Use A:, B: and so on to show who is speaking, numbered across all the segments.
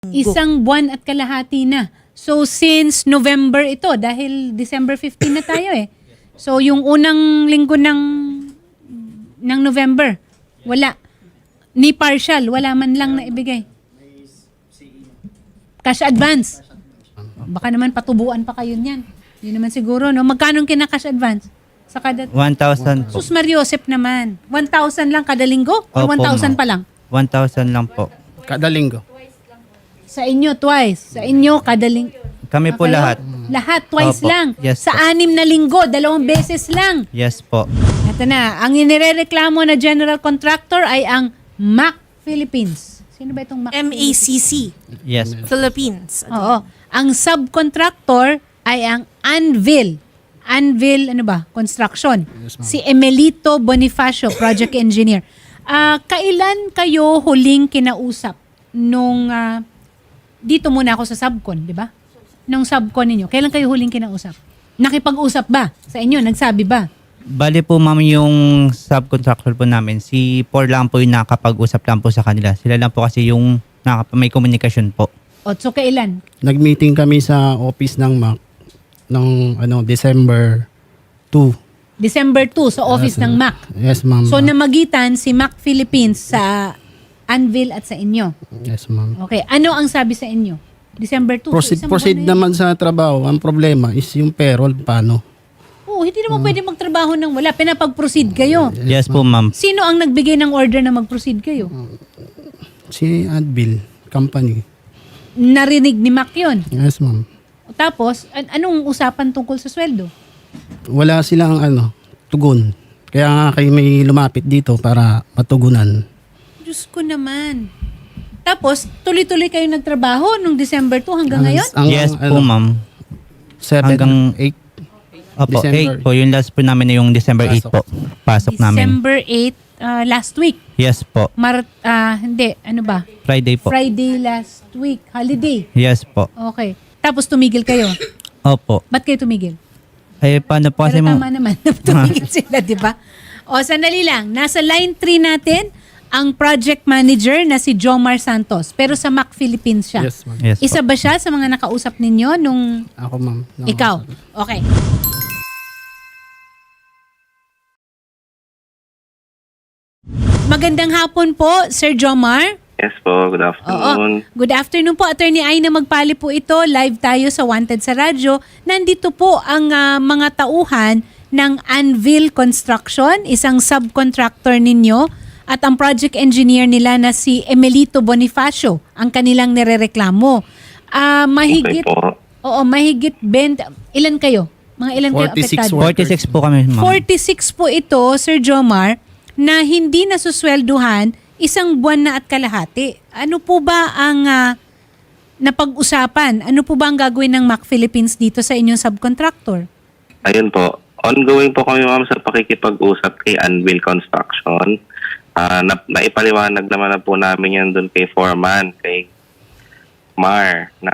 A: Isang buwan at kalahati na. So since November ito, dahil December 15 na tayo eh. So yung unang linggo ng November, wala. Ni partial, wala man lang na ibigay. Cash advance. Baka naman patubuan pa kayo niyan. Yun naman siguro, no? Magkano kina-cash advance? Sa kada...
B: 1,000 po.
A: Sus Mariosep naman. 1,000 lang kada linggo? O
B: Opo,
A: 1,000
B: ma'am.
A: pa lang?
B: 1,000 lang po.
C: Kada linggo.
A: Sa inyo, twice. Sa inyo, kada linggo.
B: Kami po lahat.
A: Lahat, twice
B: Opo.
A: lang.
B: Yes
A: Sa
B: po.
A: 6 na linggo, 2 beses lang.
B: Yes po.
A: Ito na, ang inirereklamo na general contractor ay ang MAC Philippines. Sino ba itong MAC
D: MACC,
B: Yes po.
D: Philippines.
A: Oo. Ang subcontractor ay ang Anvil. Anvil, ano ba? Construction. Si Emelito Bonifacio, project engineer. Kailan kayo huling kinausap nung... dito muna ako sa subcon, di ba? Nung subcon ninyo. Kailan kayo huling kinausap? Nakipag-usap ba? Sa inyo, nagsabi ba?
B: Bali po ma'am yung subcontractor po namin. Si Por lang po yung nakapag-usap lang po sa kanila. Sila lang po kasi yung may komunikasyon po.
A: O, so kailan?
C: Nag-meeting kami sa office ng MAC ng December 2.
A: December 2 sa office ng MAC.
C: Yes, ma'am.
A: So namagitan si MAC Philippines sa Anvil at sa inyo.
C: Yes, ma'am.
A: Okay, ano ang sabi sa inyo? December 2.
C: Proceed naman sa trabaho. Ang problema is yung payroll, paano?
A: Oo, hindi naman pwede magtrabaho ng wala. Pinapag-proceed kayo.
B: Yes po ma'am.
A: Sino ang nagbigay ng order na mag-proceed kayo?
C: Si Advil Company.
A: Narinig ni MAC yun.
C: Yes, ma'am.
A: Tapos, anong usapan tungkol sa sweldo?
C: Wala silang tugon. Kaya nga kayo may lumapit dito para matugunan.
A: Diyos ko naman. Tapos, tuloy-tuloy kayo nagtrabaho nung December 2 hanggang ngayon?
B: Yes po ma'am.
C: 7
B: Hanggang-
C: 8.
B: Opo,
C: December.
B: 8 po. Yung last po namin na yung December 8 po. Pasok namin.
A: December 8, last week.
B: Yes po.
A: Hindi, ano ba?
B: Friday po.
A: Friday last week, holiday.
B: Yes po.
A: Okay. Tapos tumigil kayo.
B: Opo.
A: Ba't kayo tumigil?
B: Eh paano po kasi
A: Pero
B: ma'am?
A: tama naman na tumigil sila, di ba? O, sandali lang. Nasa line 3 natin ang project manager na si Jomar Santos. Pero sa MAC Philippines siya.
C: Yes, ma'am.
B: Yes
A: Isa
B: po.
A: ba siya sa mga nakausap ninyo nung
C: Ako, ma'am.
A: ikaw? Okay. Magandang hapon po, Sir Jomar.
E: Yes po, good afternoon.
A: Good afternoon po, Attorney Aina Magpali po ito. Live tayo sa Wanted sa Radyo. Nandito po ang mga tauhan ng Anvil Construction, isang subcontractor ninyo, at ang project engineer nila na si Emelito Bonifacio, ang kanilang nirereklamo. Mahigit,
E: Okay po.
A: oo, mahigit 20, ilan kayo? Mga ilan kayo
C: 46
A: apektado?
C: workers.
B: 46 po kami ma'am.
A: 46 po ito, Sir Jomar, na hindi nasuswelduhan isang buwan na at kalahati. Ano po ba ang napag-usapan? Ano po ba ang gagawin ng MAC Philippines dito sa inyong subcontractor?
E: Ayun po. Ongoing po kami ma'am sa pakikipag-usap kay Anvil Construction. Naipaliwanag naman na po namin yan doon kay Foreman, kay Mar, na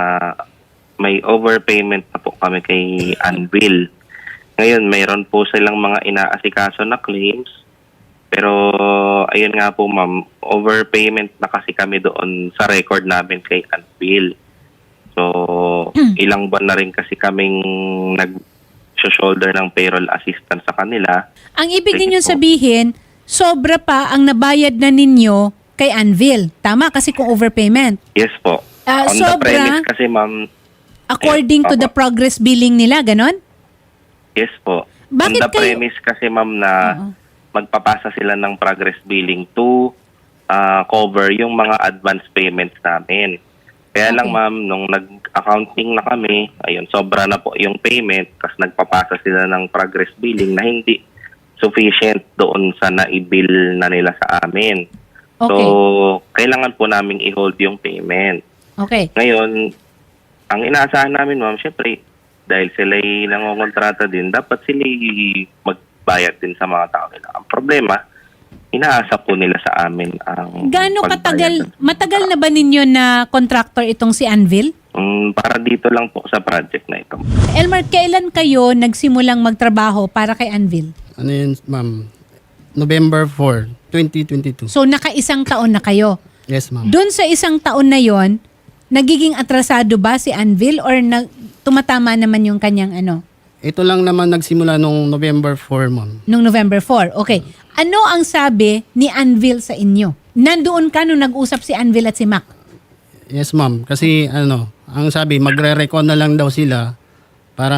E: may overpayment na po kami kay Anvil. Ngayon, mayroon po silang mga inaasikaso na claims. Pero ayun nga po ma'am, overpayment na kasi kami doon sa record namin kay Anvil. So, ilang buwan na rin kasi kaming nag-shoulder ng payroll assistance sa kanila.
A: Ang ibig
E: Sige
A: ninyo
E: po.
A: sabihin, sobra pa ang nabayad na ninyo kay Anvil. Tama? Kasi kung overpayment.
E: Yes po. On the
A: Sobra?
E: premise kasi ma'am,
A: According to the progress billing nila, ganon?
E: yes po.
A: Bakit
E: On the
A: kayo-
E: premise kasi ma'am na magpapasa sila ng progress billing to cover yung mga advance payments namin. Kaya lang
A: Okay.
E: ma'am, nung nag-accounting na kami, ayun, sobra na po yung payment kasi nagpapasa sila ng progress billing na hindi sufficient doon sa naibill na nila sa amin. So,
A: Okay.
E: kailangan po namin i-hold yung payment.
A: Okay.
E: Ngayon, ang inaasahan namin ma'am, syempre, dahil sila nangongontrata din, dapat sila magbayad din sa mga tao nila. Ang problema, inaasa po nila sa amin ang
A: Gaano
E: pagbayad.
A: matagal na ba ninyo na contractor itong si Anvil?
E: Para dito lang po sa project na ito.
A: Elmar, kailan kayo nagsimulang magtrabaho para kay Anvil?
C: Ano yun, ma'am? November 4, 2022.
A: So, naka-isang taon na kayo.
C: Yes, ma'am.
A: Doon sa isang taon na yon, nagiging atrasado ba si Anvil or tumatama naman yung kanyang ano?
C: Ito lang naman nagsimula nung November 4, ma'am.
A: Nung November 4. Okay. Ano ang sabi ni Anvil sa inyo? Nandoon ka nung nag-usap si Anvil at si Mac?
C: Yes, ma'am. Kasi ang sabi, magre-recon na lang daw sila para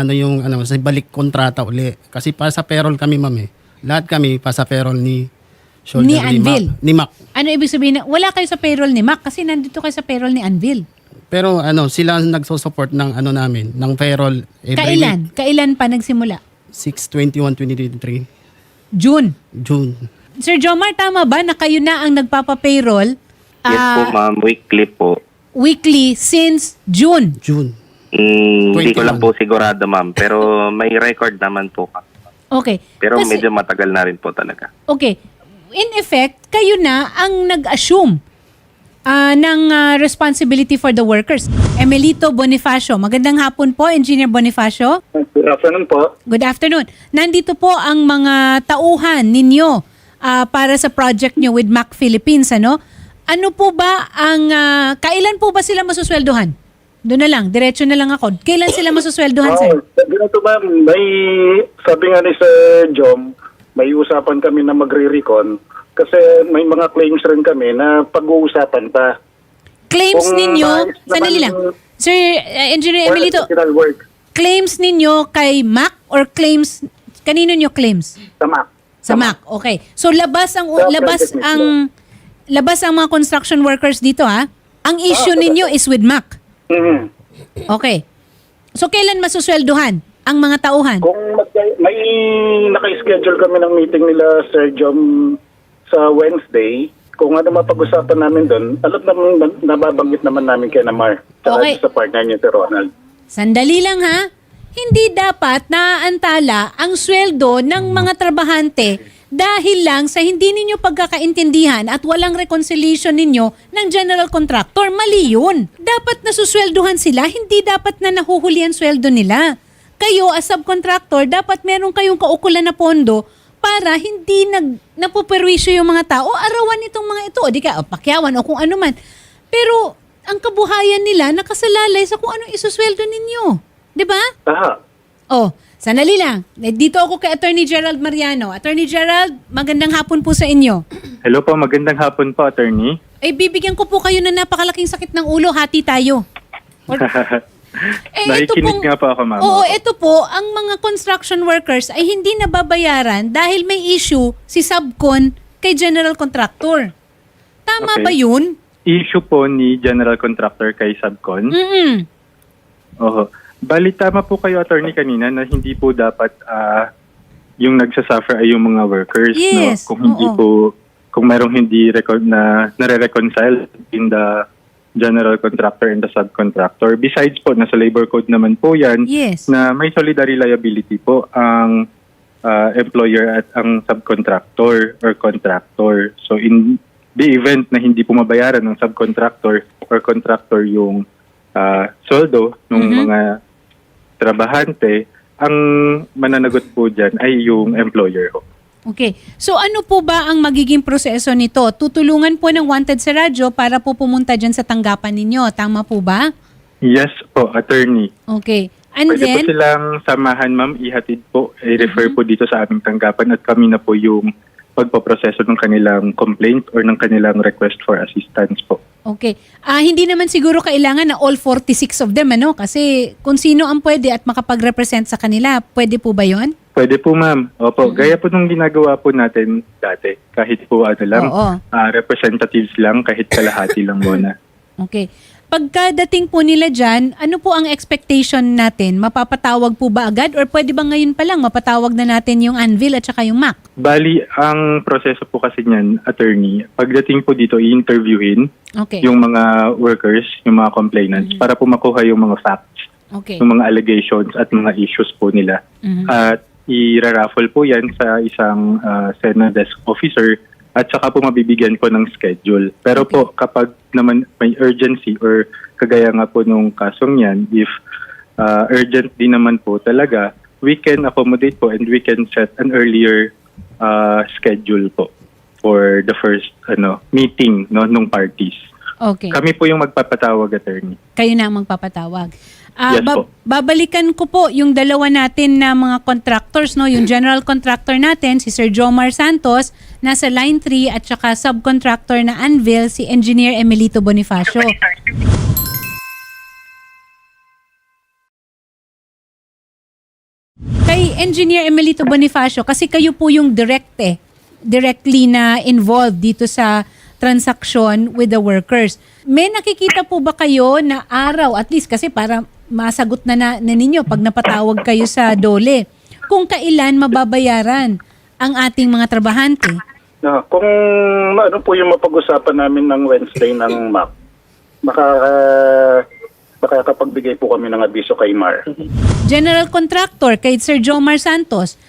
C: sa balik kontrata uli. Kasi pa sa payroll kami, ma'am eh. Lahat kami pa sa payroll ni
A: Ni Anvil?
C: Ni Mac.
A: Ano ibig sabihin na wala kayo sa payroll ni Mac kasi nandito kayo sa payroll ni Anvil?
C: Pero sila ang nagsusupport ng namin, ng payroll every
A: Kailan? Kailan pa nagsimula?
C: 6/21/2023,
A: June.
C: June.
A: Sir Jomar, tama ba na kayo na ang nagpapa-payroll
E: Yes po, ma'am. Weekly po.
A: weekly since June?
C: June.
E: Hindi ko
C: 21.
E: lang po sigurado, ma'am. Pero may record naman po.
A: Okay.
E: Pero
A: Kasi-
E: medyo matagal na rin po talaga.
A: Okay. In effect, kayo na ang nag-assume ng responsibility for the workers. Emelito Bonifacio. Magandang hapon po, Engineer Bonifacio.
D: Good afternoon po.
A: Good afternoon. Nandito po ang mga tauhan ninyo para sa project nyo with Mac Philippines. Ano po ba ang, kailan po ba sila masusweldohan? Doon na lang, diretso na lang ako. Kailan sila masusweldohan, sir?
D: Ganito ma'am, may sabi nga ni Sir Jom, may usapan kami na magre-recon kasi may mga claims rin kami na pag-uusapan pa.
A: Claims
D: Kung
A: ninyo,
D: nais naman
A: sandali lang. Sir, Engineer
D: for
A: Emelito,
D: additional work
A: claims ninyo kay Mac or claims, kanino nyo claims?
D: sa MAC.
A: Sa Mac. Okay. So labas ang
D: Sa
A: labas
D: project
A: ang mga construction workers dito ha. Ang issue ninyo is with Mac.
D: Mhm.
A: Okay. So kailan masusweldohan ang mga tauhan?
D: Kung may naka-schedule kami ng meeting nila Sir Jom sa Wednesday, kung ano mapag-usapan namin doon, alam naman, nababanggit naman namin kay Namar
A: Okay.
D: sa partner niya si Ronald.
A: Sandali lang ha. Hindi dapat naaantala ang sweldo ng mga trabahante dahil lang sa hindi ninyo pagkakaintindihan at walang reconciliation ninyo ng general contractor. Mali yun. Dapat nasusweldohan sila, hindi dapat na nahuhuli ang sweldo nila. Kayo as subcontractor, dapat meron kayong kaukulan na pondo para hindi napuperwisyo yung mga tao, arawan itong mga ito, o di ka, pakyawan o kung ano man. Pero ang kabuhayan nila nakasalalay sa kung anong isusweldo ninyo. Di ba?
D: Aha.
A: Oh, sandali lang. Dito ako kay Attorney Gerald Mariano. Attorney Gerald, magandang hapon po sa inyo.
F: Hello po, magandang hapon po, attorney.
A: Eh, bibigyan ko po kayo ng napakalaking sakit ng ulo. Hati tayo.
F: Nakikinig nga po ako, ma'am.
A: Oo, ito po, ang mga construction workers ay hindi nababayaran dahil may issue si subcon kay general contractor. Tama
F: Okay.
A: ba yun?
F: Issue po ni General Contractor kay Subcon.
A: Mm-mm.
F: Oho. Bali, tama po kayo, attorney, kanina na hindi po dapat yung nagsasuffer ay yung mga workers.
A: Yes,
F: No? Kung hindi
A: oo.
F: po, kung mayroong hindi nare-reconcile in the general contractor and the subcontractor. Besides po, nasa labor code naman po yan
A: Yes.
F: na may solidary liability po ang employer at ang subcontractor or contractor. So in the event na hindi po mabayaran ng subcontractor or contractor yung soldo ng mga trabahante, ang mananagot po dyan ay yung employer ho.
A: Okay. So ano po ba ang magiging proseso nito? Tutulungan po ng Wanted sa radyo para po pumunta dyan sa tanggapan ninyo. Tama po ba?
F: Yes po, attorney.
A: Okay. And
F: Pwede po
A: then,
F: silang samahan, ma'am, ihatid po, i-refer po dito sa aming tanggapan at kami na po yung pagpaproseso ng kanilang complaint or ng kanilang request for assistance po.
A: okay. Hindi naman siguro kailangan na all 46 of them, ano? Kasi kung sino ang pwede at makapag-represent sa kanila, pwede po ba yon?
F: Pwede po, ma'am. Opo, gaya po nung ginagawa po natin dati. Kahit po lang,
A: Oo.
F: representatives lang, kahit kalahati lang muna.
A: Okay. Pagkadating po nila dyan, ano po ang expectation natin? Mapapatawag po ba agad or pwede ba ngayon pa lang mapatawag na natin yung Anvil at saka yung Mac?
F: Bali, ang proseso po kasi niyan, attorney, pagdating po dito, i-interviewin
A: Okay.
F: yung mga workers, yung mga complainants, para po makuha yung mga facts,
A: Okay.
F: yung mga allegations at mga issues po nila. At i-raffle po yan sa isang Sena desk officer at saka po mabibigyan po ng schedule. Pero po kapag naman may urgency or kagaya nga po nung kasong yan, if urgent din naman po talaga, we can accommodate po and we can set an earlier schedule po for the first meeting nung parties
A: Okay.
F: Kami po yung magpapatawag, attorney.
A: Kayo na ang magpapatawag.
F: Yes po.
A: Babalikan ko po yung dalawa natin na mga contractors, no? Yung general contractor natin, si Sir Jomar Santos, nasa line 3, at saka subcontractor na Anvil, si Engineer Emelito Bonifacio. Kay Engineer Emelito Bonifacio, kasi kayo po yung directly na involved dito sa transaction with the workers. May nakikita po ba kayo na araw, at least kasi para masagot na ninyo pag napatawag kayo sa DOLE, kung kailan mababayaran ang ating mga trabahante?
D: Kung ano po yung mapag-usapan namin ng Wednesday ng MAP, makakapagbigay po kami ng abiso kay Mar.
A: General contractor kay Sir Jomar Santos,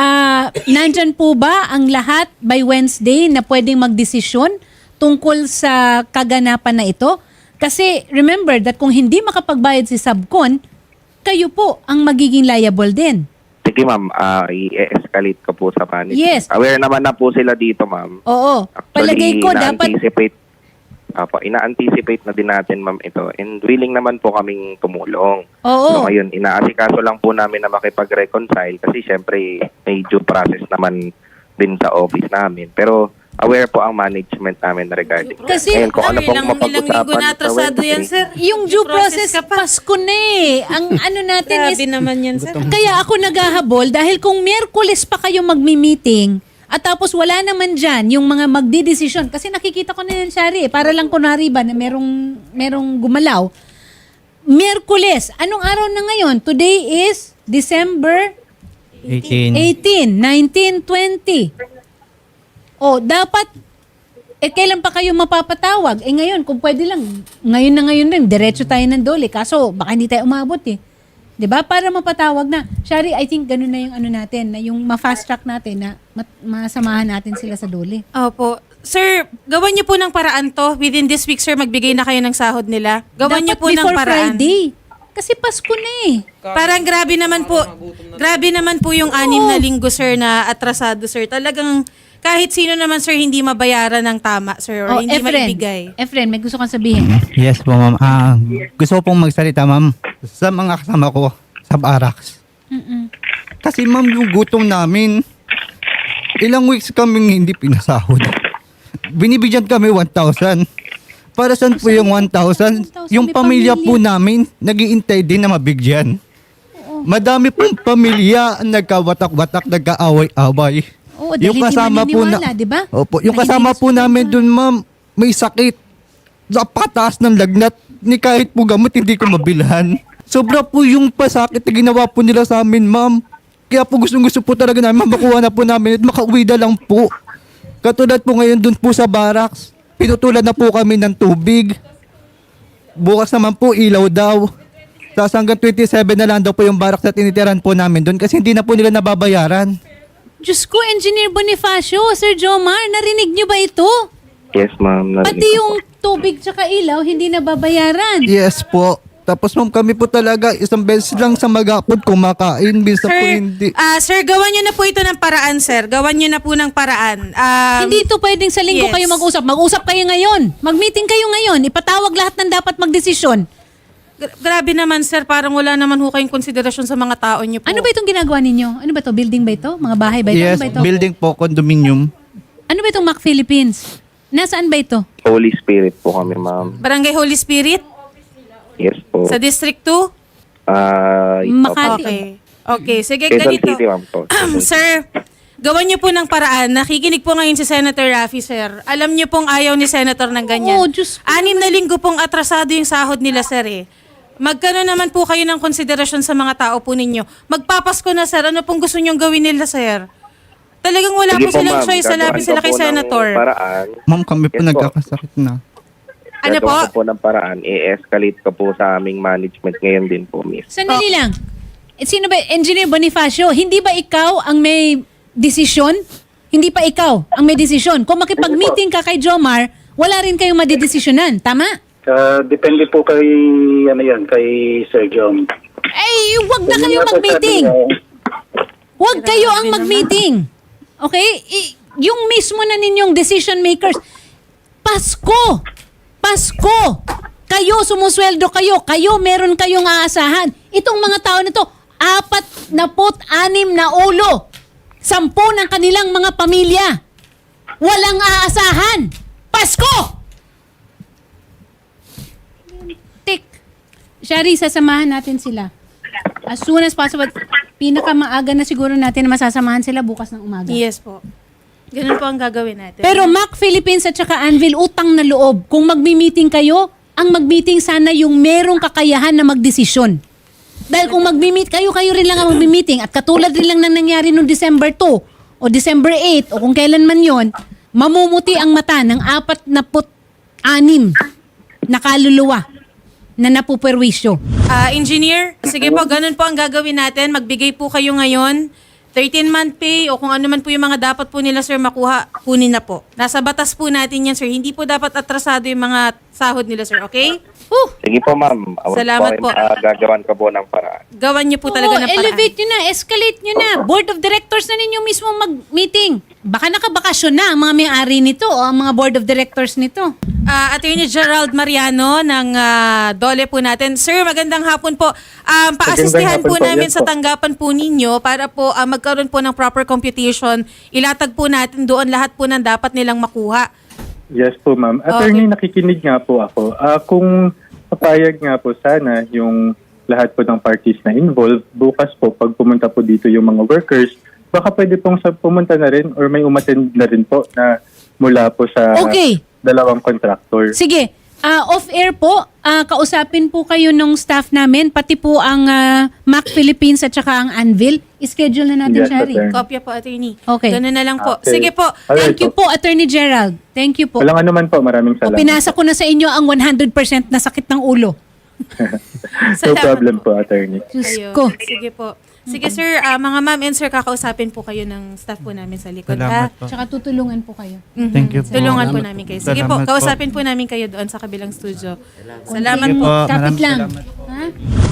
A: nandyan po ba ang lahat by Wednesday na pwedeng magdesisyon tungkol sa kaganapan na ito? Kasi remember that kung hindi makapagbayad si Subcon, kayo po ang magiging liable din.
E: Sige ma'am, i-escalate ko po sa management.
A: Yes.
E: Aware naman na po sila dito ma'am.
A: Oo. Palagay ko dapat...
E: ina-anticipate na din natin ma'am ito, and willing naman po kaming tumulong.
A: Oo.
E: So ngayon, inaasikaso lang po namin na makipag-reconcile kasi syempre may due process naman din sa office namin. Pero aware po ang management namin regarding
A: Kasi,
E: ngayon, kung ano pong
G: ilang linggo
E: mapag-usapan
G: na atrasado yan, sir.
A: yung due process,
G: ka pa.
A: Pasko na eh. Ang ano natin is...
G: Grabe naman yan, sir.
A: Kaya ako naghahabol dahil kung Miyerkules pa kayo magmi-meeting at tapos wala naman dyan yung mga magdidesisyon. Kasi nakikita ko na yan, Shari, para lang kunwari ba na merong gumalaw. Miyerkules, anong araw na ngayon? Today is December
B: 18.
A: 18, 19, 20. O, dapat, kailan pa kayo mapapatawag? Ngayon, kung pwede lang, ngayon rin, diretso tayo ng DOLE. Kaso, baka hindi tayo umabot eh. 'Di ba? Para mapatawag na. Shari, I think ganun na yung ano natin, na yung ma-fast track natin na masamahan natin sila sa DOLE.
G: Opo. Sir, gawan niyo po ng paraan to. Within this week, sir, magbigay na kayo ng sahod nila. Gawan niyo po ng
A: before
G: paraan.
A: Friday. Kasi Pasko na eh.
G: Parang grabe naman po yung 6 na linggo, sir, na atrasado, sir. Talagang kahit sino naman, sir, hindi mabayaran ng tama, sir, or hindi maibigay.
A: Efren, may gusto kang sabihin.
B: Yes po, ma'am. Gusto ko pong magsalita, ma'am, sa mga kasama ko sa barracks. Kasi, ma'am, yung gutom namin, ilang weeks kaming hindi pinasahod. Binibigyan kami 1,000. Para saan po yung 1,000? Yung
A: May
B: pamilya po namin, nag-iintay din na mabigyan. Madami pong pamilya ang nagkawatak-watak, nagkaaway-away.
A: Oo, dahil hindi maniniwala, di ba?
B: Opo, yung
A: Na
B: kasama
A: hindi
B: po namin dun, ma'am, may sakit. Sa pataas ng lagnat, ni kahit po gamot, hindi ko mabilhan. Sobra po yung pasakit na ginawa po nila sa amin, ma'am. Kaya po gustong-gusto po talaga namin, makuha na po namin at makauwi na lang po. Katulad po ngayon dun po sa barracks, pinutulan na po kami ng tubig. Bukas naman po, ilaw daw. Tapos hanggang 27 na lang daw po yung barracks na tinitiran po namin dun kasi hindi na po nila nababayaran.
A: Diyos ko, Engineer Bonifacio, Sir Jomar, narinig niyo ba ito?
E: Yes ma'am.
A: Pati yung tubig tsaka ilaw, hindi nababayaran.
B: Yes po. Tapos ma'am, kami po talaga isang beses lang sa maghapon kumakain, minsan po hindi.
G: Sir, gawan niyo na po ito ng paraan, sir. Gawan niyo na po ng paraan.
A: Hindi ito pwedeng sa linggo
G: yes.
A: kayo mag-usap. Mag-usap kayo ngayon. Mag-meeting kayo ngayon. Ipatawag lahat ng dapat magdesisyon.
G: Grabe naman, sir. Parang wala naman ho kayong konsiderasyon sa mga tao niyo po.
A: Ano ba itong ginagawa ninyo? Ano ba ito? Building ba ito? Mga bahay ba ito?
B: Yes,
A: Ano ba ito?
B: building po, condominium.
A: Ano ba itong Mac Philippines? Nasaan ba ito?
E: Holy Spirit po kami ma'am.
G: Barangay Holy Spirit?
E: Yes po.
G: Sa District 2?
A: Makati.
G: Okay, sige,
E: Quezon
G: ganito.
E: City ma'am po.
G: Sir, gawan niyo po ng paraan. Nakikinig po ngayon si Senator Raffy, sir. Alam niyo pong ayaw ni Senator ng ganyan.
A: Oo, Diyos ko.
G: 6 na linggo pong atrasado yung sahod nila, sir eh. Magkano naman po kayo ng konsiderasyon sa mga tao po ninyo? Magpapasko na, sir. Ano pong gusto niyong gawin nila, sir? Talagang wala
E: Sige
G: po silang
E: ma'am,
G: choice. Salapin
E: gagawan
G: sila
E: ko
G: kay
E: po ng
G: Senator.
E: Paraan.
B: Ma'am, kami po
E: Yes po.
B: nagkakasakit na.
G: Ano po?
E: Gagawa ko po ng paraan. I-escalate ko po sa aming management ngayon din po, miss.
A: Sandali lang. Sino ba? Engineer Bonifacio, hindi ba ikaw ang may desisyon? Hindi pa ikaw ang may desisyon. Kung makipag-meeting ka kay Jomar, wala rin kayong madidesisyonan. Tama?
D: Depende po kay, kay Sir Jom.
A: Eh, wag na kayo mag-meeting. Huwag kayo ang mag-meeting. Okay? Yung mismo na ninyong decision makers. Pasko! Pasko! Kayo, sumusweldo kayo. Kayo, meron kayong aasahan. Itong mga tao na to, 46 na ulo. 10 ng kanilang mga pamilya. Walang aasahan. Pasko! Tik. Shari, sasamahan natin sila. As soon as possible. Pinakamaaga na siguro natin na masasamahan sila bukas ng umaga.
G: Yes po. Ganun po ang gagawin natin.
A: Pero Mac Philippines at saka Anvil, utang na loob. Kung mag-meeting kayo, ang mag-meeting sana yung merong kakayahan na magdesisyon. Dahil kung mag-meet kayo, kayo rin lang ang mag-meeting. At katulad rin lang na nangyari noong December 2 o December 8 o kung kailan man yon, mamumuti ang mata ng 46 na kaluluwa na napuperwisyo.
G: Engineer, sige po, ganun po ang gagawin natin. Magbigay po kayo ngayon 13-month pay o kung ano man po yung mga dapat po nila, sir, makuha, kunin na po. Nasa batas po natin yan, sir. Hindi po dapat atrasado yung mga sahod nila, sir. Okay?
E: Sige po, ma'am.
G: Salamat po.
E: Gagawan ko po ng paraan.
G: Gawan niyo po talaga ng paraan.
A: Elevate nyo na, escalate nyo na. Board of Directors na ninyo mismo mag-meeting. Baka nakabakasyon na ang mga may-ari nito o ang mga Board of Directors nito.
G: Attorney Gerald Mariano ng Dole po natin. Sir, magandang hapon po. Paasistihan po
F: Magandang hapon po.
G: namin
F: Yes
G: sa
F: po.
G: tanggapan po ninyo para po magkaroon po ng proper computation. Ilatag po natin doon lahat po ng dapat nilang makuha.
F: Yes po, ma'am. Attorney, nakikinig nga po ako. Kung papayag nga po sana yung lahat po ng parties na involved, bukas po, pag pumunta po dito yung mga workers, baka pwede pong pumunta na rin or may umattend na rin po na mula po sa
A: Okay.
F: dalawang contractor.
A: Sige, off-air po, kausapin po kayo ng staff namin, pati po ang Mac Philippines at saka ang Anvil. I-schedule na natin,
F: Yes,
A: Shari.
F: attorney.
G: Kopya po, attorney.
A: Okay.
G: Ganun na lang po.
F: Okay.
G: Sige po.
F: Alright
A: Thank you po, Attorney Gerald. Thank you po.
F: Walang anuman po, maraming
A: O,
F: salamat.
A: pinasa ko na sa inyo ang 100% na sakit ng ulo.
F: No
G: Salamat
F: problem po, attorney.
A: Diyos
G: Ayun.
A: ko.
G: Sige po. Sige sir, mga ma'am and sir, kakausapin po kayo ng staff po namin sa likod.
B: Salamat
G: ha?
B: po.
A: Tsaka tutulungan po kayo.
G: Mhm.
B: Thank you po.
G: Tulungan po
C: Salamat
G: namin kayo. Sige po,
B: Salamat po.
G: kausapin po namin kayo doon sa kabilang studio. Salamat
B: Sige
G: po.
B: po.
A: Kapit
B: Maraming
A: lang.
B: salamat.
A: Ha?